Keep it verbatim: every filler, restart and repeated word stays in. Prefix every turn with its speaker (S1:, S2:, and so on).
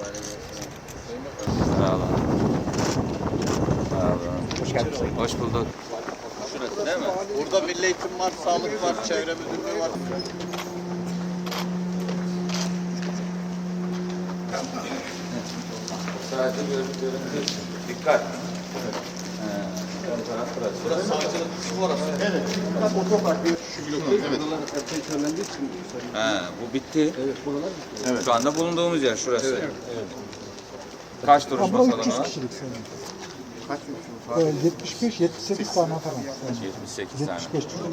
S1: Sağ olun. Sağ olun. Hoş geldiniz. Hoş bulduk. Şurası değil mi?
S2: Burada milli eğitim var, sağlık var, çevre müdürlüğü var.
S1: Sadece görüntü. Dikkat. Evet. Ön taraf burası.
S2: Burası savcılık kısmı orası.
S3: Evet. Bak otopark bir şu bloklar. Evet. Buralar tekrarlandığı için.
S1: He, bu bitti.
S3: Evet. Buralar bitti.
S2: Evet.
S1: Şu anda bulunduğumuz yer şurası. Evet. Evet. Kaç duruşma
S4: Burası
S1: salonu
S4: üç yüz
S1: var?
S4: kişilik sanırım.
S3: Kaç yıl?
S4: Ee, yetmiş beş yetmiş sekiz tane falan.
S1: yetmiş sekiz tane.
S4: yetmiş beş tane.